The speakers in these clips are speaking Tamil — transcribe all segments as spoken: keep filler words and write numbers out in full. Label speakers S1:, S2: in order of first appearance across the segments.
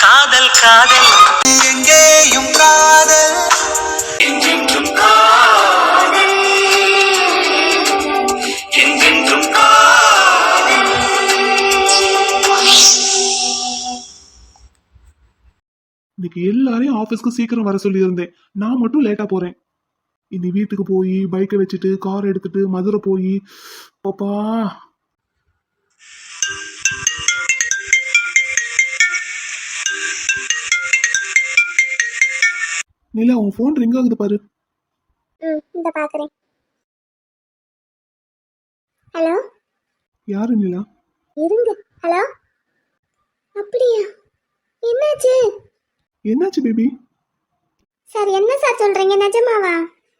S1: காதல் காதல் எங்கேயும் காதல் என்றென்றும் காதல் என்றென்றும் காதல்.
S2: இன்னைக்கு எல்லாரையும் ஆபீஸ்க்கு சீக்கிரம் வர சொல்லி இருந்தேன். நான் மட்டும் லேட்டா போறேன். இனி வீட்டுக்கு போய் பைக்கை வச்சுட்டு கார் எடுத்துட்டு மதுரை போய் பாப்பா. நிலா, உன் போன் ரிங் ஆகுது பாரு.
S3: ம் இந்த பாக்குறேன். ஹலோ,
S2: யாரு நிலா?
S3: இருங்க. ஹலோ, அப்படியா? என்னாச்சு?
S2: என்னாச்சு பேபி?
S3: சார் என்ன சார் சொல்றீங்க? நிஜமாவா?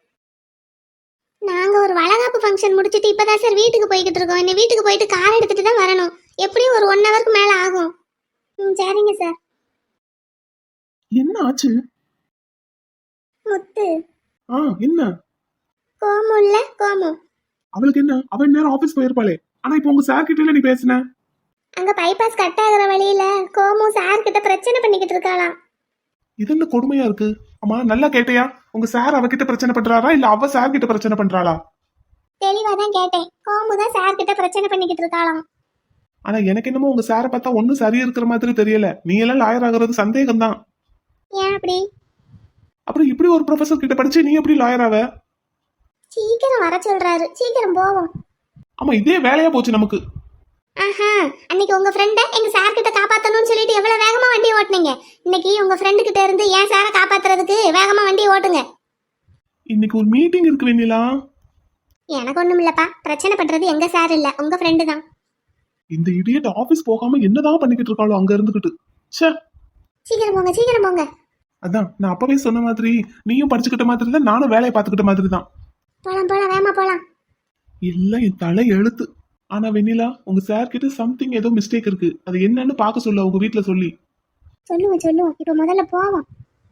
S3: நாங்க ஒரு வளகாப்பு ஃபங்க்ஷன் முடிச்சிட்டு இப்பதான் சார் வீட்டுக்கு போய்கிட்டு இருக்கோம். இன்னும் வீட்டுக்கு போயிட்டு கார் எடுத்துட்டு தான் வரணும். எப்படியும் ஒரு ஒன் ஹவருக்கு மேல ஆகும். ம் சரிங்க சார்.
S2: என்ன ஆச்சு?
S3: முத்து.
S2: ஆ என்ன?
S3: கோமு இல்ல கோமு.
S2: அவளுக்கு என்ன? அவன் நேரம் ஆபீஸ் போயிருப்பாளே. ஆனா இப்போ உங்க சார் கிட்ட நீ பேசுன.
S3: அங்க பைபாஸ் கட் ஆகுற வழியில கோமு சார் கிட்ட பிரச்சனை பண்ணிக்கிட்டு இருக்காளாம்.
S2: இது என்ன கொடுமையா இருக்கு? அம்மா நல்லா கேட்டியா? உங்க சார் அவகிட்ட பிரச்சனை பண்றாரா இல்ல அவ சார் கிட்ட பிரச்சனை பண்றாளா?
S3: தெளிவா தான் கேட்டேன். கோமு தான் சார் கிட்ட பிரச்சனை பண்ணிக்கிட்டு இருக்காளாம்.
S2: ஆனா எனக்கு என்னமோ உங்க சாரை பார்த்தா ஒன்னும் சரியா இருக்கிற மாதிரி தெரியல. நீ எல்லாம் லாயர் ஆகுறது சந்தேகம் தான்.
S3: ஏன் அப்படி?
S2: அப்புறம் இப்படி ஒரு ப்ரொஃபசர் கிட்ட படிச்சு நீ எப்படி லாயர் ஆவ?
S3: சீக்கிரம் வர சொல்றாரு. சீக்கிரம் போவோம்.
S2: ஆமா, இதே வேலையா போச்சு நமக்கு.
S3: ஆஹா, அன்னைக்கு உங்க ஃப்ரெண்ட எங்க சார் கிட்ட காப்பாத்தணும்னு சொல்லிட்டு எவ்வளவு வேகமா வண்டி ஓட்டுனீங்க. இன்னைக்கு உங்க ஃப்ரெண்டு கிட்ட இருந்து ஏன் சாரை காப்பாத்துறதுக்கு வேகமா வண்டி ஓட்டுங்க.
S2: இன்னைக்கு ஒரு மீட்டிங் இருக்கு வெண்ணிலா.
S3: எனக்கு ஒண்ணும் இல்லப்பா. பிரச்சனை பண்றது எங்க சார் இல்ல, உங்க ஃப்ரெண்டு தான்.
S2: இந்த இடியட் ஆபீஸ் போகாம என்னதான் பண்ணிக்கிட்டு இருக்காளோ அங்க இருந்துகிட்டு. ச்சே.
S3: சீக்கிரம் போங்க, சீக்கிரம் போங்க.
S2: அதான் நான் அப்பவே சொன்ன மாதிரி நீயும் படிச்சுக்கிட்ட மாதிரி தான் நானும் வேலையை பார்த்துக்கிட்ட மாதிரி தான்.
S3: போலாம் போலாம், வேகமா போலாம்.
S2: எல்லாம் என் தலை எழுத்து. ஆனா வெண்ணிலா, உங்க சார் கிட்ட சம்திங் ஏதோ மிஸ்டேக் இருக்கு. அது என்னன்னு பாக்க சொல்ல உங்க வீட்டுல சொல்லி.
S3: சொல்லுவோம் சொல்லுவோம். இப்ப முதல்ல போவோம்.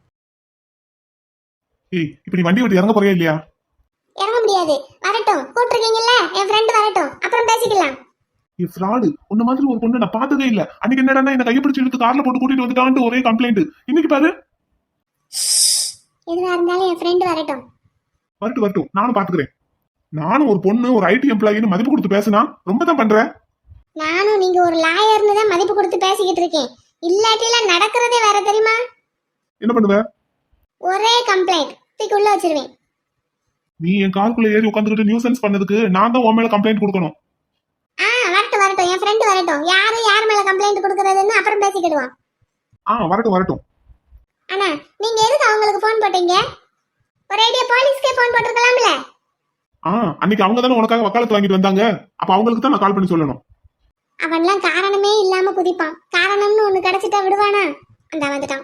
S2: ஏய், இப்ப நீ வண்டி விட்டு இறங்க போறியா இல்லையா?
S3: இறங்க முடியாது. வரட்டும், கூப்பிட்டுருக்கீங்கல்ல, என் ஃப்ரெண்டு வரட்டும், அப்புறம் பேசிக்கலாம்.
S2: நீ ஃப்ராடு. உன்ன மாதிரி ஒரு பொண்ணு நான் பார்த்ததே இல்ல. அன்னைக்கு என்னடா என்ன கையை பிடிச்சி இழுத்து கார்ல போட்டு கூட்டிட்டு வந்துட்டான்ட்டு ஒரே கம்ப்ளைண்ட். இன்னைக்கு பாரு.
S3: எதுவா இருந்தாலும் என் ஃப்ரெண்டு வரட்டும்.
S2: வரட்டும் வரட்டும், நானும் பாத்துக்கிறேன். நானும் ஒரு பொண்ணு ஒரு ஐடி எம்ப்ளாயின்னு மதிப்பு கொடுத்து பேசினா ரொம்ப தான் பண்றேன்.
S3: நானும் நீங்க ஒரு லாயர்னு தான் மதிப்பு கொடுத்து பேசிக்கிட்டு இருக்கேன். இல்லாட்டில நடக்கிறதே வேற தெரியுமா?
S2: என்ன பண்ணுவ?
S3: ஒரே கம்ப்ளைண்ட் தூக்கிள்ள வச்சிருவேன்.
S2: நீ என் காருக்குள்ள ஏறி உட்காந்துக்கிட்டு நியூசன்ஸ் பண்ணதுக்கு நான் தான் உன் மேல கம்ப்ளைண்ட் கொடுக்கணும்.
S3: ஆ வரட்டும் வரட்டும், என் ஃப்ரெண்டு வரட்டும். யாரு யார் மேல கம்ப்ளைண்ட் கொடுக்கறதுன்னு அப்புறம் பேசிக்கிடுவோம்.
S2: ஆ வரட்டும் வரட்டும்.
S3: அண்ணா, நீங்க எதுக்கு அவங்களுக்கு போன் போட்டீங்க? ஒரு ஐடியா போலீஸ்க்கே போன் போட்டுருக்கலாம்ல.
S2: ஆ அன்னைக்கு அவங்க தானே உனக்காக வக்காலத்து வாங்கிட்டு வந்தாங்க. அப்ப அவங்களுக்கு தான் நான் கால் பண்ணி சொல்லணும்.
S3: அவன்லாம் காரணமே இல்லாம குதிப்பான். காரணம்னு ஒண்ணு கிடைச்சிட்டா விடுவானா? அந்த வந்துட்டான்.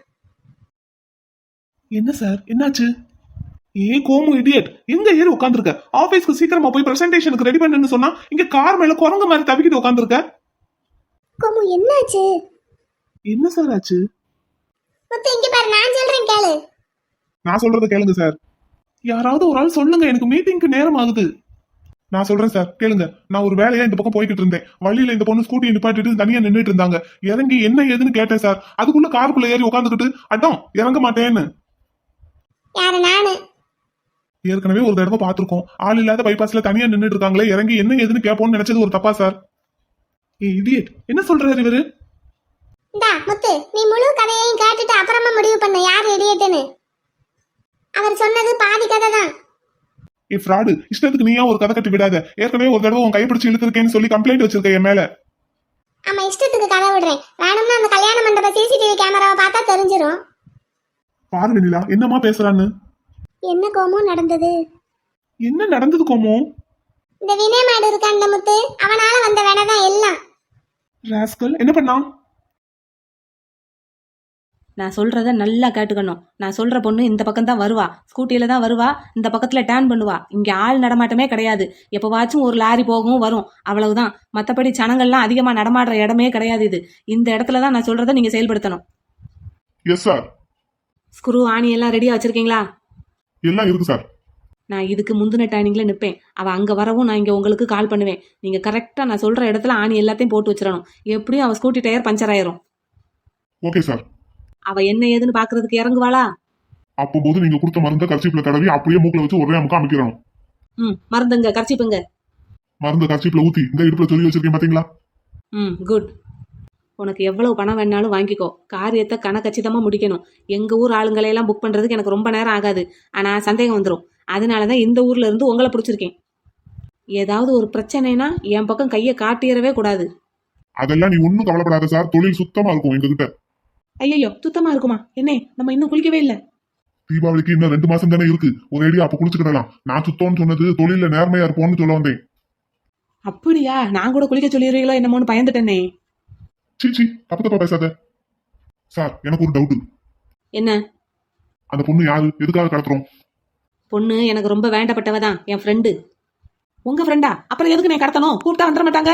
S2: என்ன சார் என்னாச்சு? ஏ கோமு இடியட், எங்க ஏறி உட்காந்துருக்க? ஆபீஸ்க்கு சீக்கிரமா போய் பிரசன்டேஷனுக்கு ரெடி பண்ணுன்னு சொன்னா இங்க கார் மேல குரங்கு மாதிரி தவிக்கிட்டு உட்காந்துருக்க.
S3: கோமு என்னாச்சு?
S2: என்ன சார் ஆச்சு?
S3: முத்து இங்க பாரு, நான் சொல்றேன் கேளு.
S2: நான் சொல்றத கேளுங்க சார். யாராவது ஒரு ஆள் சொல்லுங்க, எனக்கு மீட்டிங்க்கு நேரம் ஆகுது. நான் சொல்றேன் சார் கேளுங்க. நான் ஒரு வேலையா இந்த பக்கம் போய்கிட்டு இருந்தேன். வழியில இந்த பொண்ணு ஸ்கூட்டி நிப்பாட்டிட்டு தனியா நின்றுட்டு இருந்தாங்க. இறங்கி என்ன ஏதுன்னு கேட்டேன் சார். அதுக்குள்ள காருக்குள்ள ஏறி உட்காந்துக்கிட்டு அட்டம் இறங்க மாட்டேன்னு.
S3: யாரு? நானு.
S2: ஏற்கனவே ஒரு தடவை பாத்துருக்கோம். ஆள் இல்லாத பைபாஸ்ல தனியா நின்றுட்டு இருக்காங்களே, இறங்கி என்ன ஏதுன்னு கேட்போம்னு நினைச்சது ஒரு தப்பா சார்? ஏ இடியட், என்ன சொல்றாரு இவரு?
S3: இந்தா முத்து, நீ முழு கதையையும் கேட்டுட்டு அப்புறமா முடிவு பண்ண யார் இடியட்னு. அவர் சொன்னது பாதி கதை தான்.
S2: ஏ ஃப்ராடு, இஷ்டத்துக்கு நீயா ஒரு கதை கட்டி விடாத. ஏற்கனவே ஒரு தடவை உன் கைப்பிடிச்சு இழுத்துருக்கேன்னு சொல்லி கம்ப்ளைண்ட் வச்சிருக்க என் மேல.
S3: ஆமா, இஷ்டத்துக்கு கதை விடுறேன். வேணும்னா அந்த கல்யாண மண்டப சிசிடிவி கேமராவை பார்த்தா தெரிஞ்சிரும்.
S2: பாரு வெண்ணிலா, என்னமா பேசுறான்னு.
S3: என்ன கோமு நடந்தது?
S2: என்ன நடந்தது கோமு?
S3: இந்த வினய் மாடு இருக்கான்ல முத்து, அவனால வந்த வேலைதான் எல்லாம்.
S2: ராஸ்கல் என்ன பண்ணா?
S4: நான் சொல்கிறத நல்லா கேட்டுக்கணும். நான் சொல்கிற பொண்ணு இந்த பக்கம் தான் வருவா, ஸ்கூட்டியில் தான் வருவா, இந்த பக்கத்தில் டேர்ன் பண்ணுவா. இங்கே ஆள் நடமாட்டமே கிடையாது. எப்போவாச்சும் ஒரு லாரி போகவும் வரும், அவ்வளவுதான். மற்றபடி ஜனங்கள்லாம் அதிகமாக நடமாடுற இடமே கிடையாது இது. இந்த இடத்துல தான் நான் சொல்கிறத நீங்கள் செயல்படுத்தணும்.
S2: Yes sir.
S4: ஸ்க்ரூ ஆணி எல்லாம் ரெடியாக வச்சுருக்கீங்களா?
S2: எல்லாம் இருக்கு சார்.
S4: நான் இதுக்கு முந்தின டைனிங்கில் நிற்பேன். அவள் அங்கே வரவும் நான் இங்கே உங்களுக்கு கால் பண்ணுவேன். நீங்கள் கரெக்டாக நான் சொல்கிற இடத்துல ஆணி எல்லாத்தையும் போட்டு வச்சிடணும். எப்படியும் அவள் ஸ்கூட்டி டயர் பஞ்சர் ஆயிரும்.
S2: Okay sir.
S4: அவ என்ன ஏதுன்னு பாக்குறதுக்கு இறங்குவாளா?
S2: அப்போ போது நீங்க கொடுத்த மருந்த கர்ச்சீப்ல தடவி அப்படியே மூக்குல வச்சு ஒரே அமுக்க அமைக்கிறோம்.
S4: ம் மருந்துங்க கர்ச்சிப்புங்க.
S2: மருந்து கர்ச்சீப்ல ஊத்தி இந்த இடுப்புல சொல்லி வச்சிருக்கேன் பாத்தீங்களா?
S4: ம் குட். உனக்கு எவ்வளவு பணம் வேணாலும் வாங்கிக்கோ, காரியத்தை கணக்கச்சிதமா முடிக்கணும். எங்க ஊர் ஆளுங்களையெல்லாம் புக் பண்றதுக்கு எனக்கு ரொம்ப நேரம் ஆகாது, ஆனா சந்தேகம் வந்துடும். அதனாலதான் இந்த ஊர்ல இருந்து உங்களை பிடிச்சிருக்கேன். ஏதாவது ஒரு பிரச்சனைனா என் பக்கம் கையை காட்டிடவே கூடாது.
S2: அதெல்லாம் நீ ஒன்னும் கவலைப்படாத சார், தொழில் சுத்தமா இருக்கும் எங்ககிட்ட.
S4: ஐயோ சுத்தமா இருக்குமா? என்ன நம்ம இன்னும் குளிக்கவே இல்லை.
S2: தீபாவளிக்கு இன்னும் ரெண்டு மாசம் தானே இருக்கு, ஒரேடியா அப்ப குளிச்சுக்கிடலாம். நான் சுத்தம்னு சொன்னது தொழில நேர்மையா இருப்போம்னு சொல்ல வந்தேன்.
S4: அப்படியா? நான் கூட குளிக்க சொல்லிடுறீங்களோ என்னமோன்னு பயந்துட்டேனே.
S2: சீச்சி, தப்பு தப்பா பேசாத. சார் எனக்கு ஒரு டவுட்.
S4: என்ன?
S2: அந்த பொண்ணு யாரு, எதுக்காக கடத்துறோம்?
S4: பொண்ணு எனக்கு ரொம்ப வேண்டப்பட்டவ தான், என் ஃப்ரெண்டு. உங்க ஃப்ரெண்டா? அப்புறம் எதுக்கு நீ கடத்தணும்? கூப்பிட்டா வந்துட மாட்டாங்க.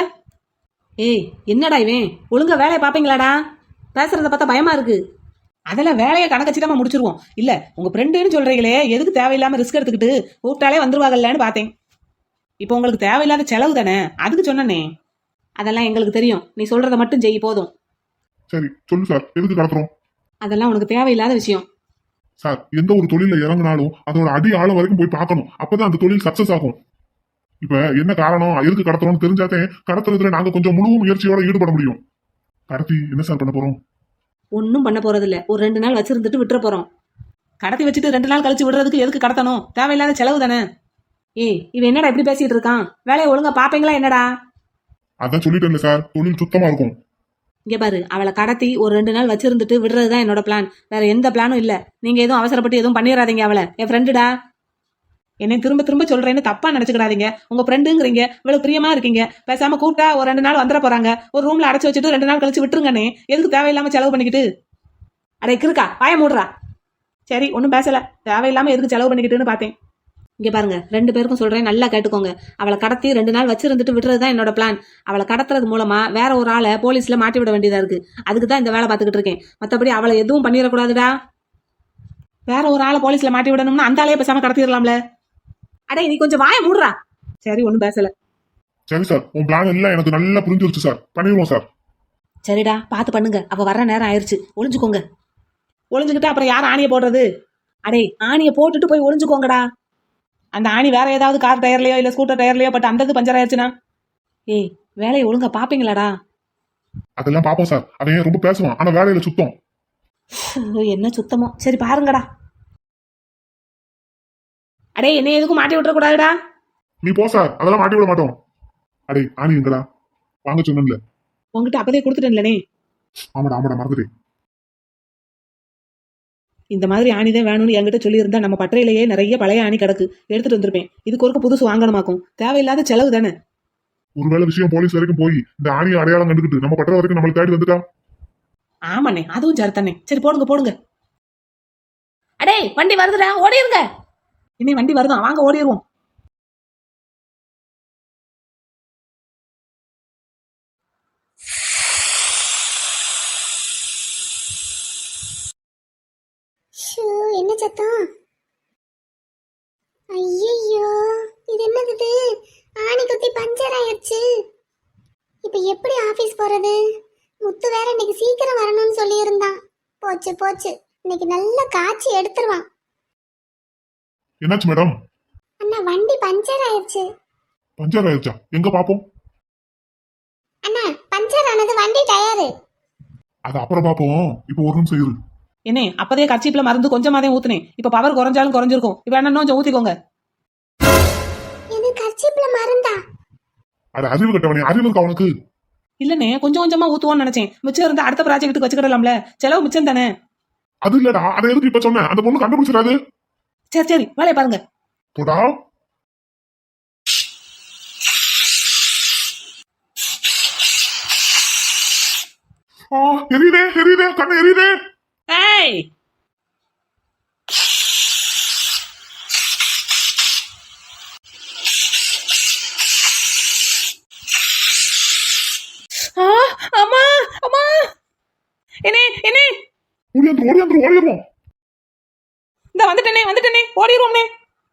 S4: ஏய் என்னடா இவன், ஒழுங்கா வேலையை பாப்பீங்களாடா? பேசுறத பார்த்தா பயமா இருக்கு. அதெல்லாம் வேலையை கணக்கச்சிதமா முடிச்சிருவோம். இல்ல உங்க ஃப்ரெண்டுன்னு சொல்றீங்களே, எதுக்கு தேவையில்லாம ரிஸ்க் எடுத்துக்கிட்டு கூப்பிட்டாலே வந்துருவாங்கல்லன்னு பார்த்தேன். இப்போ உங்களுக்கு தேவையில்லாத செலவு தானே, அதுக்கு சொன்னனே. அதெல்லாம் எங்களுக்கு தெரியும், நீ சொல்றத மட்டும் செய் போதும்.
S2: சரி சொல்லு சார், எதுக்கு கடத்துறோம்?
S4: அதெல்லாம் உனக்கு தேவையில்லாத விஷயம்.
S2: சார் எந்த ஒரு தொழில இறங்கினாலும் அதோட அடி ஆழம் வரைக்கும் போய் பார்க்கணும், அப்பதான் அந்த தொழில் சக்சஸ் ஆகும். இப்ப என்ன காரணம், எதுக்கு கடத்துறோம்னு தெரிஞ்சாதே கடத்துறதுல நாங்க கொஞ்சம் முழு முயற்சியோட ஈடுபட முடியும். கடத்தி என்ன சார் பண்ண போறோம்?
S4: ஒன்னும் பண்ண போறது இல்ல, ஒரு ரெண்டு நாள் வச்சிருந்துட்டு விட்டுற போறோம். கடத்தி வச்சுட்டு ரெண்டு நாள் கழிச்சு விடுறதுக்கு எதுக்கு கடத்தணும்? தேவையில்லாத செலவு தானே. ஏய் இவன் என்னடா இப்படி பேசிட்டு இருக்கான்? வேலையை ஒழுங்கா பாப்பீங்களா என்னடா?
S2: அதான் சொல்லிட்டேன்ல சார், தொழில் சுத்தமா இருக்கும்.
S4: இங்க பாரு, அவளை கடத்தி ஒரு ரெண்டு நாள் வச்சிருந்துட்டு விடுறதுதான் என்னோட பிளான், வேற எந்த பிளானும் இல்ல. நீங்க எதுவும் அவசரப்பட்டு எதுவும் பண்ணிடாதீங்க. அவளை என் ஃப்ரெண்டுடா. என்னை திரும்ப திரும்ப சொல்றேன்னு தப்பா நினைச்சுக்கிடாதீங்க. உங்க ஃப்ரெண்டுங்கிறீங்க, இவ்வளவு பிரியமா இருக்கீங்க. பேசாம கூப்பிட்டா ஒரு ரெண்டு நாள் வந்துட போறாங்க, ஒரு ரூம்ல அடைச்சு வச்சுட்டு ரெண்டு நாள் கழிச்சு விட்டுருங்கண்ணே. எதுக்கு தேவையில்லாம செலவு பண்ணிக்கிட்டு? அடே இருக்கா வாய மூடுறா. சரி ஒன்னும் பேசல, தேவையில்லாம எதுக்கு செலவு பண்ணிக்கிட்டுன்னு பார்த்தேன். இங்க பாருங்க, ரெண்டு பேருக்கும் சொல்றேன், நல்லா கேட்டுக்கோங்க. அவளை கடத்தி ரெண்டு நாள் வச்சிருந்துட்டு விடுறதுதான் என்னோட பிளான். அவளை கடத்துறது மூலமா வேற ஒரு ஆளை போலீஸ்ல மாட்டி விட வேண்டியதா இருக்கு. அதுக்கு தான் இந்த வேலை பார்த்துக்கிட்டு இருக்கேன். மத்தபடி அவளை எதுவும் பண்ணிடக்கூடாதுடா. வேற ஒரு ஆளை போலீஸ்ல மாட்டி விடணும்னா அந்த ஆளையே பேசாம கடத்திடலாம்ல. அடே நீ கொஞ்சம் வாய மூடுறா. சரி ஒன்னும் பேசல.
S2: சரி சார், உன் பிளான் எல்லாம் எனக்கு நல்லா புரிஞ்சிருச்சு சார், பண்ணிடுவோம் சார்.
S4: சரிடா பார்த்து பண்ணுங்க, அவ வர்ற நேரம் ஆயிடுச்சு, ஒளிஞ்சுக்கோங்க. ஒளிஞ்சுக்கிட்டு அப்புறம் யார் ஆணியை போடுறது? அடே ஆணியை போட்டுட்டு போய் ஒளிஞ்சுக்கோங்கடா. அந்த ஆணி வேற ஏதாவது கார் டயர்லயோ இல்ல ஸ்கூட்டர் டயர்லயோ பட் அந்த இது பஞ்சர் ஆயிடுச்சுன்னா? ஏய் வேலையை ஒழுங்கா பாப்பீங்களாடா?
S2: அதெல்லாம் பாப்போம் சார், அவன் ரொம்ப பேசுவான் ஆனா வேலையில சுத்தம்.
S4: என்ன சுத்தமோ, சரி பாருங்கடா. அடே என்ன எதுக்கும் மாட்டி விட்டுற கூடாதுடா.
S2: நீ போ சார், அதெல்லாம் மாட்டி விட மாட்டோம். அடே ஆணி எங்கடா? வாங்க சொன்னேன்ல.
S4: உங்ககிட்ட அப்பதே கொடுத்துட்டேன்லனே.
S2: ஆமாடா ஆமாடா மறந்துட்டேன்.
S4: இந்த மாதிரி ஆணிதான் வேணும்னு என்கிட்ட சொல்லியிருந்தா நம்ம பட்டறையிலேயே நிறைய பழைய ஆணி கிடக்கு, எடுத்துட்டு வந்திருப்பேன். இதுக்கு ஒருக்க புதுசு வாங்கணுமாக்கும், தேவையில்லாத செலவு தானே.
S2: ஒருவேளை விஷயம் போலீஸ் வரைக்கும் போய் இந்த ஆணியை அடையாளம் கண்டுக்கிட்டு நம்ம பட்டறை வரைக்கும் நம்மளுக்கு தேடி வந்துட்டா?
S4: ஆமாண்ணே அதுவும் சரி தானே. சரி போடுங்க போடுங்க. அடே வண்டி வருதுடா, ஓடிருங்க. இனி வண்டி வருதான், வாங்க ஓடிடுவோம்.
S3: ஷூ, என்ன சத்தம்? ஐயோ இது என்னது இது? ஆணி குத்தி பஞ்சர் ஆயிடுச்சு. இப்ப எப்படி ஆபீஸ் போறது? முத்து வேற இன்னைக்கு சீக்கிரம் வரணும்னு சொல்லி இருந்தான். போச்சு போச்சு, இன்னைக்கு நல்ல காட்சி எடுத்துருவான்.
S2: என்னாச்சு மேடம்?
S3: அண்ணா வண்டி பஞ்சர் ஆயிடுச்சு.
S2: பஞ்சர் ஆயிடுச்சா? எங்க பாப்போம்.
S3: அண்ணா பஞ்சர் ஆனது வண்டி டயரு.
S2: அது அப்புறம் பாப்போம், இப்போ ஒரு நிமிஷம் இரு.
S4: என்ன அப்பதே கர்ச்சீப்ல மருந்து கொஞ்சமாதே ஊத்துனேன், இப்ப பவர் குறைஞ்சாலும் குறைஞ்சிருக்கும். இப்ப என்ன கொஞ்சம் ஊத்திக்கோங்க.
S3: இது கர்ச்சீப்ல மருந்தா?
S2: அது அறிவு கட்டவனே, அறிவு இருக்கா அவனுக்கு?
S4: இல்லனே கொஞ்சம் கொஞ்சமா ஊத்துவோம்னு நினைச்சேன். மிச்சம் இருந்தா அடுத்த ப்ராஜெக்ட்டுக்கு வச்சுக்கிடலாம்ல, செலவு மிச்சம் தானே.
S2: அது இல்லடா, அதை எதுக்கு இப்ப சொன்ன? அந்த பொண்ணு கண்டுபிடிச்சிடாது.
S4: சரி சரி வேலையை பாருங்க.
S2: போடா. ஆ எரியுதே எரியுதே, கண்ணு எரியுதே.
S4: ஏய் ஆ அம்மா அம்மா என்னே என்னே
S2: ஓடியாந்துரும் ஓடியாந்துரும் ஓடிடுவோம்.
S4: இந்த வந்துட்டேனே வந்துட்டேனே ஓடிடுவோம்னே.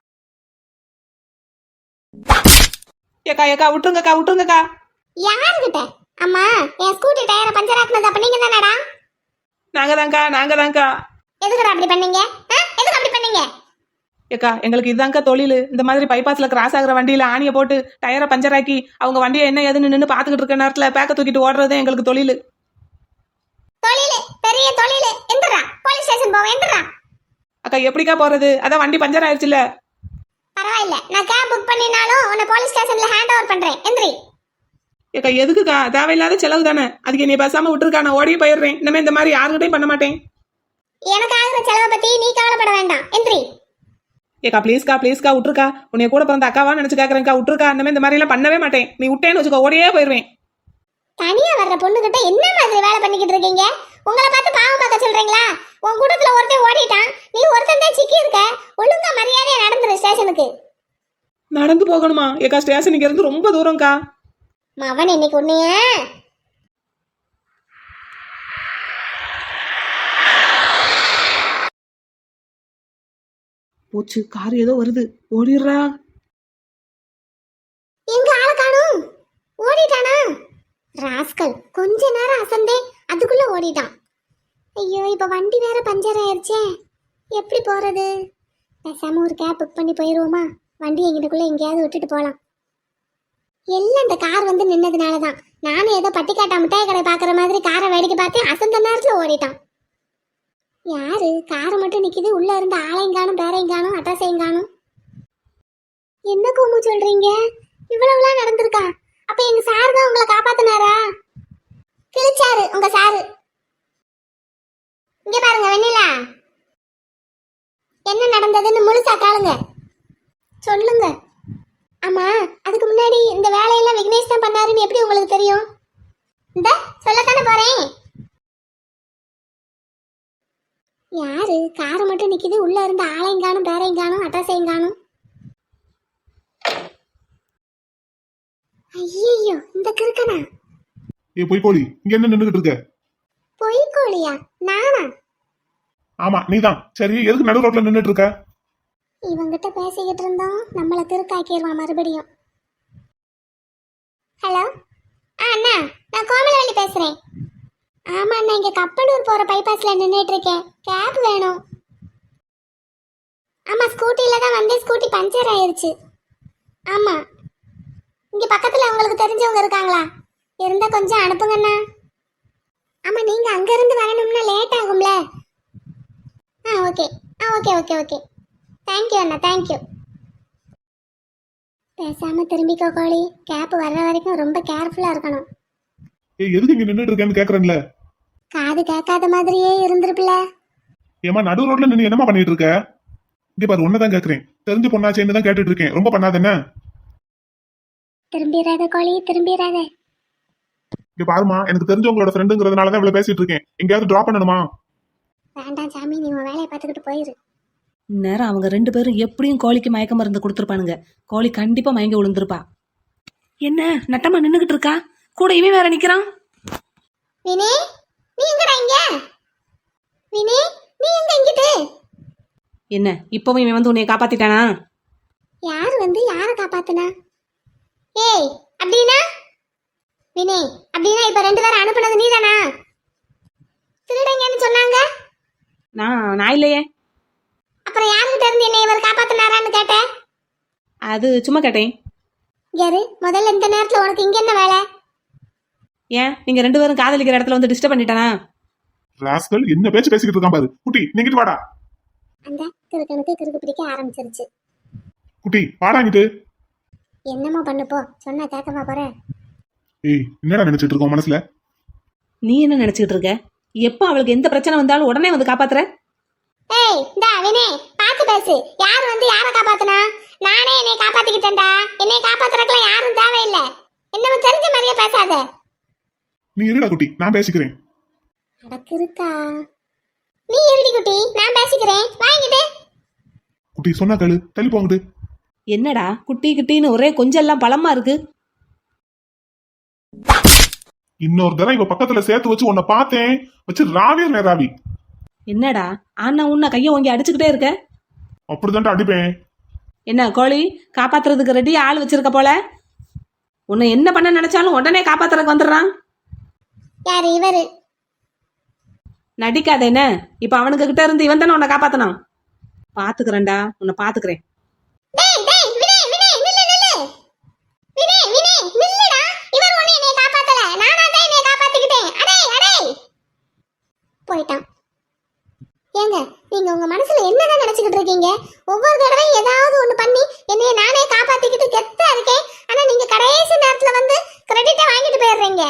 S4: ஏக்கா ஏக்கா விட்டுருங்கக்கா விட்டுருங்கக்கா.
S3: யாருகிட்ட? அம்மா என் ஸ்கூட்டி டயரை பஞ்சர் ஆக்குனது அப்ப நீங்க தானடா?
S4: நாங்க தான்க்கா நாங்க தான்க்கா.
S3: எதுக்குடா அப்படி பண்ணீங்க? ஆ? எதுக்கு அப்படி பண்ணீங்க?
S4: ஏக்கா எங்களுக்கு இதுதான்க்கா தொழில். இந்த மாதிரி பைபாஸ்ல கிராஸ் ஆகுற வண்டியில ஆணியை போட்டு டயரை பஞ்சர் ஆக்கி அவங்க வண்டியை என்ன ஏதுன்னு நின்று பாத்துக்கிட்டு இருக்க நேரத்துல பேக்க தூக்கிட்டு ஓடுறதே எங்களுக்கு தொழில்.
S3: தொழிலு பெரிய தொழிலு. எந்திரா, போலீஸ் ஸ்டேஷன் போவோம். எந்திரா.
S4: அக்கா எப்படிக்கா போறது? அதான் வண்டி பஞ்சர் ஆயிடுச்சுல்ல.
S3: பரவாயில்ல, நான் கேப் புக் பண்ணினாலும் உன்னை போலீஸ் ஸ்டேஷன்ல ஹேண்ட் ஓவர் பண்றேன். எந்திரி.
S4: ஏக்கா எதுக்குக்கா? தேவையில்லாத செலவு தானே. அதுக்கு நீ பேசாம விட்டுருக்கா, நான் ஓடியே போயிடுறேன். இனிமே இந்த மாதிரி யாருக்கிட்டையும் பண்ண மாட்டேன்.
S3: எனக்கு ஆகுற செலவை பத்தி நீ கவலைப்பட வேண்டாம். எந்திரி.
S4: ஏக்கா ப்ளீஸ்க்கா ப்ளீஸ்க்கா விட்டுருக்கா. உன்னைய கூட பிறந்த அக்காவா நினைச்சு கேட்கறேன்க்கா, விட்டுருக்கா. இனிமே இந்த மாதிரி எல்லாம் பண்ணவே மாட்டேன். நீ விட்டேன்னு வச்சுக்கோ, ஓடியே போயிடுவேன்.
S3: தனியா வர்ற பொண்ணுகிட்ட என்ன மாதிரி வேலை பண்ணிக்கிட்டு இருக்கீங்க? உங்களை பார்த்து பாவம் பார்க்க சொல்றீங்களா? உன் கூட்டத்துல ஒருத்தன் ஓடிட்டான், நீ ஒருத்தன் தான் சிக்கி இருக்க. ஒழுங்கா மரியாதையா நடந்துரு ஸ்டேஷனுக்கு.
S4: நடந்து போகணுமா? ஏக்கா ஸ்டேஷன் இங்க இருந்து ரொம்ப தூரம்க்கா.
S3: மவன் இன்னைக்கு உன்னைய
S4: போச்சு, கார் ஏதோ வருது, ஓடிடுறா.
S3: எங்க ஆள காணும்? ஓடிட்டானா? ராஸ்கல், கொஞ்ச நேரம் அசந்தேன், அதுக்குள்ள ஓடிட்டான். ஐயோ, இப்ப வண்டி வேற பஞ்சர் ஆயிருச்சே, எப்படி போறது? பேசாம ஒரு கேப் புக் பண்ணி போயிருவோமா? வண்டி எங்கிட்டக்குள்ள எங்கேயாவது விட்டுட்டு போலாம். எல்லாம் இந்த கார் வந்து நின்னதுனாலதான். நானும் ஏதோ பட்டிக்காட்டா மிட்டாய் கடை பாக்குற மாதிரி காரை வேடிக்கை பார்த்தேன், அசந்த நேரத்துல ஓடிட்டான். யாரு? காரை மட்டும் நிக்குது, உள்ள இருந்து ஆளையும் காணும், பேரையும் காணும், அட்ரஸையும் காணும். என்ன கோமு சொல்றீங்க? இவ்வளவுலாம் நடந்திருக்கா? அப்ப எங்க சார் தான் உங்களை காப்பாத்தினாரா? கிழிச்சாரு உங்க சாரு. இங்க பாருங்க வெண்ணிலா, என்ன நடந்ததுன்னு முழுசா காளுங்க. சொல்லுங்க. ஆமா, அதுக்கு முன்னாடி இந்த வேலையெல்லாம் விக்னேஷ் தான் பண்ணாருன்னு எப்படி உங்களுக்கு தெரியும்? இந்த சொல்லத்தானே போறேன். யாரு? காரை மட்டும் நிக்குது, உள்ள இருந்து ஆளையும் காணும், பேரையும் காணும், அட்ரஸையும் காணும். ஐயோ, இந்த கிறுக்கனா?
S2: ஏ பொய்க்கோழி, இங்க என்ன நின்னுகிட்டு இருக்க?
S3: பொய்க்கோழியா? நானா?
S2: ஆமா நீதான். சரி, எதுக்கு நடு ரோட்ல நின்னுட்டு இருக்க?
S3: இவங்கிட்ட பேசிக்கிட்டு இருந்தோம், நம்மள கிறுக்காக்கிடுவான் மறுபடியும். ஹலோ, ஆ அண்ணா, நான் கோமலவள்ளி பேசுறேன். ஆமா அண்ணா, இங்க கப்பனூர் போற பைபாஸ்ல நின்னுட்டு இருக்கேன். கேப் வேணும். ஆமா, ஸ்கூட்டில தான் வந்து ஸ்கூட்டி பஞ்சர் ஆயிருச்சு. ஆமா, இங்க பக்கத்துல உங்களுக்கு தெரிஞ்சவங்க இருக்காங்களா? இருந்தா கொஞ்சம் அனுப்புங்கண்ணா. ஆமா, நீங்க அங்க இருந்து வரணும்னா லேட் ஆகும்ல. ஆ ஓகே, ஆ ஓகே ஓகே ஓகே, தேங்க்யூ அண்ணா, தேங்க்யூ. பேசாம திரும்பிக்கோ கோழி, கேப் வர்ற வரைக்கும் ரொம்ப கேர்ஃபுல்லா இருக்கணும்.
S2: ஏய், எதுக்கு இங்க நின்னுட்டு இருக்கேன்னு கேக்குறேன்ல.
S3: காது கேட்காத மாதிரியே இருந்திருப்பில.
S2: ஏமா நடு ரோட்ல நின்னு என்னமா பண்ணிட்டு இருக்க? இங்க பாரு, உன்னதான் கேக்குறேன். தெரிஞ்ச பொண்ணாச்சேன்னு தான் கேட்டுட்டு இருக்கேன். ரொம்ப பண்ணாத என்ன?
S3: திரும்பிடாத கோழி, திரும்பிடாத.
S2: இங்க பாருமா, எனக்கு தெரிஞ்சவங்களோட ஃப்ரெண்டுங்கிறதுனாலதான் இவ்வளவு பேசிட்டு இருக்கேன். எங்கேயாவது டிராப் பண்ணணுமா?
S3: வேண்டாம் சாமி, நீ உன் வேலையை பார்த்துக்கிட்டு போயிரு.
S4: இந்நேரம் அவங்க ரெண்டு பேரும் எப்படியும் கோழிக்கு மயக்க மருந்து கொடுத்துருப்பானுங்க. கோழி கண்டிப்பா மயங்கி விழுந்திருப்பா. என்ன நட்டமா நின்னுகிட்டு இருக்கா? கூட இவன் வேற நிக்கிறான்.
S3: வினே, நீ எங்கடா இங்க? வினே, நீ எங்க இங்கிட்டு?
S4: என்ன இப்பவும் இவன் வந்து உன்னைய காப்பாத்திட்டானா?
S3: யாரு வந்து யாரை காப்பாத்துனா? ஏய், அப்படின்னா வினே, அப்படின்னா இப்ப ரெண்டு பேரும் அனுப்புனது நீதானா? திருடங்கன்னு சொன்னாங்க.
S4: நான் நான் இல்லையே.
S3: அப்புறம் யாருக்கிட்ட இருந்து என்ன இவர் காப்பாத்தினாரான்னு கேட்டேன்.
S4: அது சும்மா கேட்டேன்.
S3: யாரு? முதல்ல இந்த நேரத்துல உனக்கு இங்க என்ன வேலை?
S4: ஏன் நீங்க ரெண்டு பேரும் காதலிக்கிற இடத்துல வந்து டிஸ்டர்ப் பண்ணிட்டானா?
S2: ராஸ்கல், என்ன பேச்சு பேசிக்கிட்டு இருக்கான் பாரு. குட்டி, நீங்கிட்டு வாடா.
S3: அந்த கிறுக்கனுக்கு கிறுக்கு பிடிக்க ஆரம்பிச்சிருச்சு.
S2: குட்டி வாடாங்கிட்டு.
S3: என்னமோ பண்ணுப்போ, சொன்னா கேட்கவா போற?
S2: ஏய், என்னடா நினைச்சிட்டு இருக்கோம் மனசுல?
S4: நீ என்ன நினைச்சுக்கிட்டு இருக்க? எப்ப அவளுக்கு எந்த பிரச்சனை வந்தாலும் உடனே வந்து காப்பாத்துற?
S3: ஏய், டா வினே, பாத்து பேசு. யார் வந்து யாரை காப்பாத்துனா? நானே என்னை காப்பாத்திக்கிட்டேன்டா. என்னை காப்பாத்துறதுக்குலாம் யாரும் தேவையில்லை. என்னமோ தெரிஞ்ச மாதிரியே பேசாத.
S2: நீ இருடா குட்டி, நான் பேசிக்கிறேன்.
S3: அடக்கு இருக்கா? நீ இருடி குட்டி, நான் பேசிக்கிறேன். வாங்கிட்டு.
S2: குட்டி சொன்னா கேளு, தள்ளி போங்கிட்டு.
S4: என்னடா குட்டி கிட்டின்னு ஒரே கொஞ்சம் எல்லாம் பலமா இருக்கு.
S2: இன்னொரு தடவை இவ பக்கத்துல சேர்த்து வச்சு உன்னை பார்த்தேன் வச்சு ராவியர் நேராவி.
S4: என்னடா ஆனா உன்னை கைய ஓங்கி அடிச்சுக்கிட்டே இருக்க?
S2: அப்படிதான்டா அடிப்பேன்.
S4: என்ன கோழி காப்பாத்துறதுக்கு ரெடி ஆள் வச்சிருக்க போல? உன்னை என்ன பண்ண நினைச்சாலும் உடனே காப்பாத்துறதுக்கு வந்துடுறான்.
S3: யாரு இவரு?
S4: நடிக்காத என்ன? இப்ப அவனுக்கு கிட்ட இருந்து இவன் தானே உன்னை காப்பாத்தணும். பாத்துக்கிறேன்டா, உன்னை பாத்துக்கிறேன்.
S3: டேய் டேய் வினய் வினய் நில்லு நில்லு. வினய் வினய் நில்லுடா. இவர் ஒண்ணு என்னை காப்பாத்தல. நானா தான் என்னை காப்பாத்திக்கிட்டேன். அடே அடே. போயிட்டான். ஏங்க நீங்க உங்க மனசுல என்னதான் நினைச்சுக்கிட்டு இருக்கீங்க? ஒவ்வொரு தடவையும் ஏதாவது ஒண்ணு பண்ணி என்னைய நானே காப்பாத்திக்கிட்டு கெத்தா இருக்கேன். ஆனா நீங்க கடைசி நேரத்துல வந்து கிரெடிட்டை வாங்கிட்டு போயிடுறீங்க.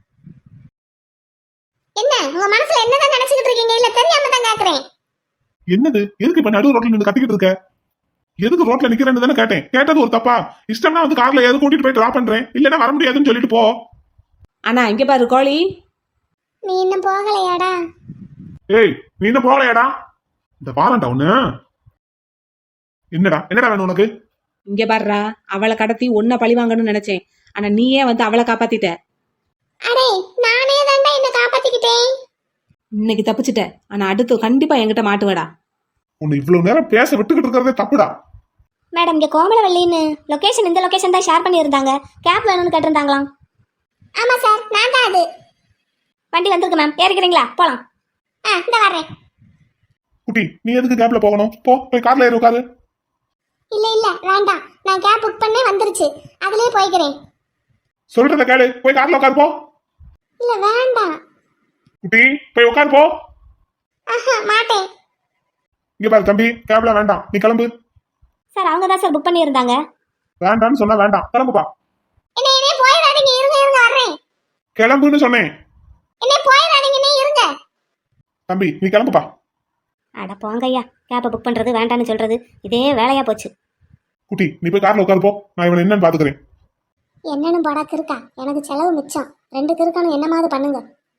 S3: என்ன உங்க மனசுல என்னதான் நினைச்சுக்கிட்டு இருக்கீங்க? இல்ல தெரியாம தான் கேக்குறேன்.
S2: என்னது? எதுக்கு இப்ப நடு ரோட்ல நின்று கத்திக்கிட்டு இருக்க? எதுக்கு ரோட்ல நிக்கிறேன்னு தானே கேட்டேன். கேட்டது ஒரு தப்பா? இஷ்டம்னா வந்து கார்ல எது கூட்டிட்டு போய் டிராப் பண்றேன், இல்லன்னா வர முடியாதுன்னு சொல்லிட்டு போ.
S4: ஆனா இங்க பாரு கோழி,
S3: நீ இன்னும் போகலையாடா?
S2: ஏய் நீ என்ன போகலையாடா? இந்த வாரண்டா ஒண்ணு. என்னடா என்னடா வேணும் உனக்கு?
S4: இங்க பாருடா, அவளை கடத்தி ஒன்ன பழி வாங்கணும்னு நினைச்சேன். ஆனா நீயே வந்து அவளை காப்பாத்திட்ட.
S3: அடே நானே தான்டா என்ன காப்பாத்திக்கிட்டேன்.
S4: இன்னைக்கு தப்பிச்சிட்ட. ஆனா அடுத்து கண்டிப்பா என்கிட்ட மாட்டுவடா.
S2: உன்னை இவ்வளவு நேரம் பேச விட்டுக்கிட்டு இருக்கிறதே தப்புடா.
S3: மேடம் இங்க கோமலவல்லின்னு லொகேஷன் இந்த லொகேஷன் தான் ஷேர் பண்ணியிருந்தாங்க. கேப் வேணும்னு கேட்டிருந்தாங்களாம். ஆமா சார் நான் தான் அது. வண்டி வந்திருக்கு மேம், ஏறிக்கிறீங்களா? போலாம். ஆ இந்த வரேன்.
S2: குட்டி நீ எதுக்கு கேப்ல போகணும்? போ போய் கார்ல ஏறி உட்காரு.
S3: இல்ல இல்ல வேண்டாம், நான் கேப் புக் பண்ணே வந்துருச்சு, அதுலயே போய்க்கிறேன்.
S2: சொல்றத கேளு, போய் கார்ல உட்காரு போ.
S3: இல்ல வேண்டாம்.
S2: குட்டி போய் உட்காரு போ.
S3: ஆஹா மாட்டேன்.
S2: இங்க பாரு தம்பி, கேப்ல வேண்டாம், நீ கிளம்பு.
S3: சார் அவங்க தான் சார் புக் பண்ணியிருந்தாங்க.
S2: வேண்டாம்னு சொன்னா வேண்டாம், கிளம்புப்பா.
S3: என்ன என்ன போயிடாதீங்க, இருங்க இருங்க வர்றேன்.
S2: கிளம்புன்னு சொன்னேன்.
S3: என்ன போயிடாதீங்க, நீ இருங்க.
S2: தம்பி நீ கிளம்புப்பா.
S3: அட போங்க ஐயா, கேப்பை புக் பண்றது வேண்டான்னு சொல்றது இதே வேலையா போச்சு.
S2: குட்டி நீ போய் கார்ல உட்காரு போ, நான் இவனை என்னன்னு பாத்துக்கிறேன்.
S3: என்னன்னு போடா கிருக்கா, எனக்கு செலவு மிச்சம். ரெண்டு கிருக்கானும் என்னமாவது பண்ணுங்க.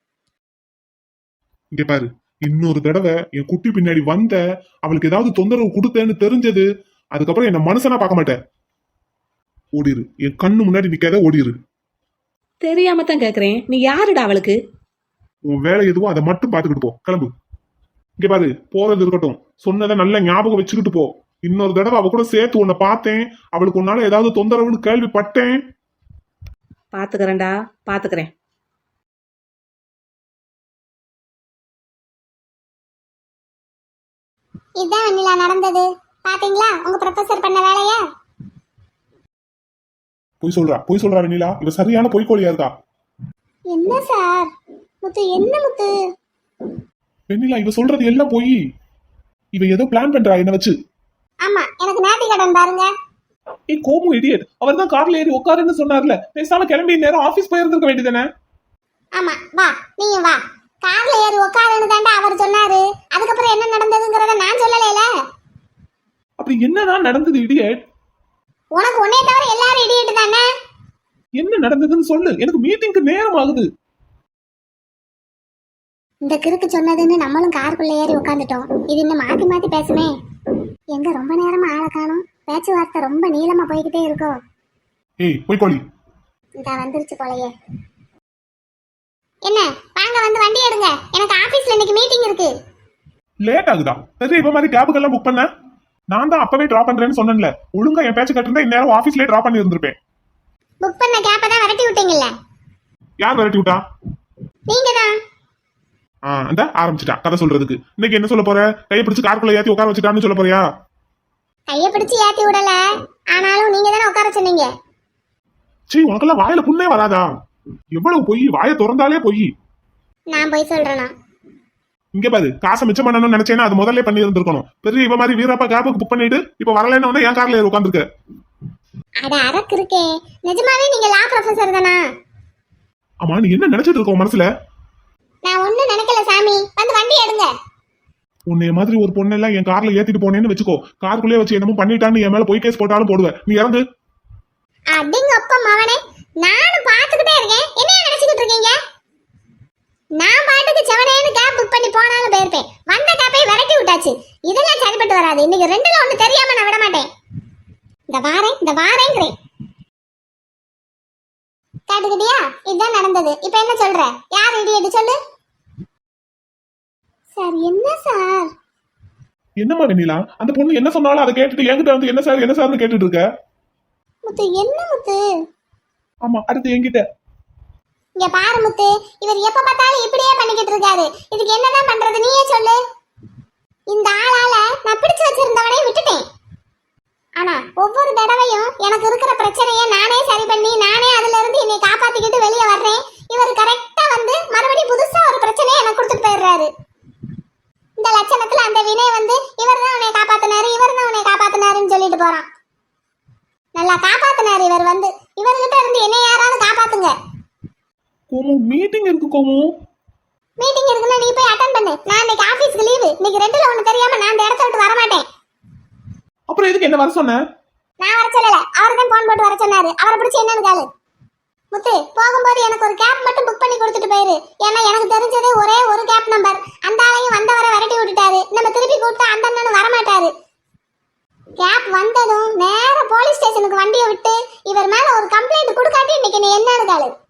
S2: இங்க பாரு, இன்னொரு தடவை என் குட்டி பின்னாடி வந்த, அவளுக்கு ஏதாவது தொந்தரவு கொடுத்தேன்னு தெரிஞ்சது, அதுக்கப்புறம் என்ன மனுஷனா பார்க்க மாட்டேன். ஓடிரு, என் கண்ணு முன்னாடி நிக்காத, ஓடிரு.
S4: தெரியாம தான் கேக்குறேன், நீ யாருடா அவளுக்கு?
S2: உன் வேலை எதுவோ அதை மட்டும் பாத்துக்கிட்டு போ, கிளம்பு. இங்க பாரு, போறது இருக்கட்டும், சொன்னதை நல்ல ஞாபகம் வச்சுக்கிட்டு போ. இன்னொரு தடவை அவ கூட சேர்த்து உன்னை பார்த்தேன், அவளுக்கு உன்னால ஏதாவது தொந்தரவுன்னு கேள்விப்பட்டேன்.
S4: பாத்துக்கிறேன்டா, பாத்துக்கிறேன்.
S3: இதான் வெண்ணிலா நடந்தது. பாத்தீங்களா உங்க ப்ரொஃபசர் பண்ண வேலைய?
S2: பொய் சொல்றா, பொய் சொல்றா வெண்ணிலா, இவ சரியான பொய்க்கோழியா இருக்கா.
S3: என்ன சார் முத்து, என்ன முத்து?
S2: வெண்ணிலா இவ சொல்றது எல்லாம் பொய். இவ ஏதோ பிளான் பண்றா என்ன வச்சு.
S3: ஆமா எனக்கு நேர்த்தி கடன் பாருங்க.
S2: ஏய் கோமு இடியட், அவர் தான் கார்ல ஏறி உட்காருன்னு சொன்னார்ல, பேசாம கிளம்பி நேரம் ஆபீஸ் போயிருந்திருக்க வேண்டியதானே.
S3: ஆமா வா, நீங்க வா. கார்ல ஏறி உட்காருன்னு தாண்டா அவர் சொன்னாரு. அதுக்கப்புறம் என்ன நடந்ததுங்கறத நான் சொல்லலைல.
S2: அப்படி என்னதான் நடந்தது இடியட்?
S3: உனக்கு உன்னைய தவிர எல்லாரும் இடியட் தானே.
S2: என்ன நடந்ததுன்னு சொல்லு, எனக்கு மீட்டிங்க்கு நேரம் ஆகுது.
S3: இந்த கிறுக்கு சொன்னதுன்னு நம்மளும் காருக்குள்ள ஏறி உட்காந்துட்டோம். இது இன்னும் மாத்தி மாத்தி பேசுமே. எங்க ரொம்ப நேரமா ஆளை காணும், பேச்சுவார்த்தை ரொம்ப நீளமா போய்கிட்டே இருக்கோ.
S2: ஏய் பொய்க்கோழி.
S3: இந்த வந்துருச்சு போலயே. என்ன வாங்க வந்து வண்டி எடுங்க, எனக்கு ஆபீஸ்ல இன்னைக்கு மீட்டிங் இருக்கு.
S2: லேட் ஆகுதா? சரி இப்ப மாதிரி கேபுக்கெல்லாம் புக் பண்ண நான் தான் அப்பவே டிராப் பண்றேன்னு சொன்னேன்ல. ஒழுங்கா என் பேச்சு கட்டிருந்தா இந்நேரம் ஆபீஸ்லயே டிராப் பண்ணி இருந்திருப்பேன்.
S3: புக் பண்ண கேப்ப தான் விரட்டி விட்டீங்கல்ல.
S2: யார் விரட்டி விட்டா?
S3: நீங்க தான்.
S2: ஆ அந்த ஆரம்பிச்சிட்டா கதை சொல்றதுக்கு. இன்னைக்கு என்ன சொல்ல போற? கையை பிடிச்சு காருக்குள்ள ஏத்தி உட்கார வச்சுட்டான்னு சொல்ல போறியா?
S3: கைய பிடிச்சு ஏத்தி விடல, ஆனாலும் நீங்க தானே உட்கார சொன்னீங்க.
S2: சீ, உனக்கெல்லாம் வாயில புண்ணே வராதா? எவ்வளவு பொய், வாயை திறந்தாலே பொய்.
S3: நான் போய் சொல்றேனா?
S2: இங்க பாரு, காசை மிச்சம் பண்ணணும்னு நினைச்சேன்னா அது முதல்ல பண்ணி இருந்திருக்கணும். பெரிய இவ மாதிரி வீரப்பா கேபுக்கு புக் பண்ணிட்டு இப்ப வரலன்னு வந்து என் கார்ல ஏறி உட்காந்துருக்க.
S3: அட அரக்கு இருக்கே, நிஜமாவே நீங்க லா ப்ரொஃபசர் தானா?
S2: ஆமா, நீ என்ன நினைச்சிட்டு இருக்க உன் மனசுல?
S3: நான் ஒண்ணும் நினைக்கல சாமி, வந்து வண்டி எடுங்க.
S2: உன்னைய மாதிரி ஒரு பொண்ணெல்லாம் என் கார்ல ஏத்திட்டு போனேன்னு வச்சுக்கோ, காருக்குள்ளே வச்சு என்னமோ பண்ணிட்டான்னு என் மேல பொய் கேஸ் போட்டாலும் போடுவேன். நீ இறங்கு.
S3: அடிங்க அப்பா மவனே, நானும் பாத்துக்கிட்டே இருக்கேன். என்ன நினைச்சுக்கிட்டு இருக்கீங்க? நான் பாட்டுக்கு செவனேன்னு கேப் புக் பண்ணி போனாலும் போயிருப்பேன். வந்த கேப்பை விரட்டி விட்டாச்சு. இதெல்லாம் சரிப்பட்டு வராது. இன்னைக்கு ரெண்டுல ஒண்ணு தெரியாம நான் விட மாட்டேன். இந்த வாரேன் இந்த வாரேங்கிறேன். கேட்டுக்கிட்டியா? இதுதான் நடந்தது. இப்ப என்ன சொல்ற? யார் இடியட்டு சொல்லு. சார் என்ன சார்?
S2: என்னம்மா வெண்ணிலா, அந்த பொண்ணு என்ன சொன்னாலும் அதை கேட்டுட்டு என்கிட்ட வந்து என்ன சார் என்ன சார்னு கேட்டுட்டு இருக்க.
S3: முத்து என்ன முத்து?
S2: ஆமா, அடுத்து என்கிட்ட
S3: இங்க பாரு முத்து, இவர் எப்ப பார்த்தாலும் இப்படியே பண்ணிக்கிட்டு இருக்காரு. இதுக்கு என்னதான் பண்றது நீயே சொல்லு. இந்த ஆளால நான் பிடிச்சு வச்சிருந்தவனே விட்டுட்டேன். ஆனா ஒவ்வொரு தடவையும் எனக்கு இருக்கிற பிரச்சனையை நானே சரி பண்ணி நானே அதுல இருந்து என்னை காப்பாத்திக்கிட்டு வெளியே வர்றேன். இவர் கரெக்டா வந்து மறுபடியும் புதுசா ஒரு பிரச்சனையை எனக்கு கொடுத்துட்டு போயிடுறாரு. இந்த லட்சணத்துல அந்த வினய் வந்து இவர் தான் உன்னை காப்பாத்தினாரு இவர் தான் உன்னை காப்பாத்தினாருன்னு சொல்லிட்டு போறான். நல்லா காப்பாத்தினாரு இவர் வந்து. இவர்கிட்ட இருந்து என்னை யாராவது காப்பாத்துங்க.
S2: கோமு மீட்டிங் இருக்கு கோமு.
S3: மீட்டிங் இருக்குன்னா நீ போய் அட்டெண்ட் பண்ணு. நான் இன்னைக்கு ஆபீஸ்க்கு லீவு. இன்னைக்கு ரெண்டுல ஒண்ணு தெரியாம நான் இந்த இடத்த விட்டு வர மாட்டேன்.
S2: அப்புறம் எதுக்கு என்ன வர சொன்ன?
S3: நான் வர சொல்லல, அவர் தான் போன் போட்டு வர சொன்னாரு. அவரை பிடிச்சி என்னன்னு கேளு. முத்து, போகும்போது எனக்கு ஒரு கேப் மட்டும் புக் பண்ணி கொடுத்துட்டு போயிரு. ஏன்னா எனக்கு தெரிஞ்சது ஒரே ஒரு கேப் நம்பர். அந்த ஆளையும் வந்தவரை விரட்டி விட்டுட்டாரு. நம்ம திருப்பி கூப்பிட்டா அந்த அண்ணனும் வரமாட்டாரு. கேப் வந்ததும் நேர போலீஸ் ஸ்டேஷனுக்கு வண்டியை விட்டு இவர் மேல ஒரு கம்ப்ளைண்ட் கொடுக்காட்டி இன்னைக்கு நீ என்னன்னு கேளு.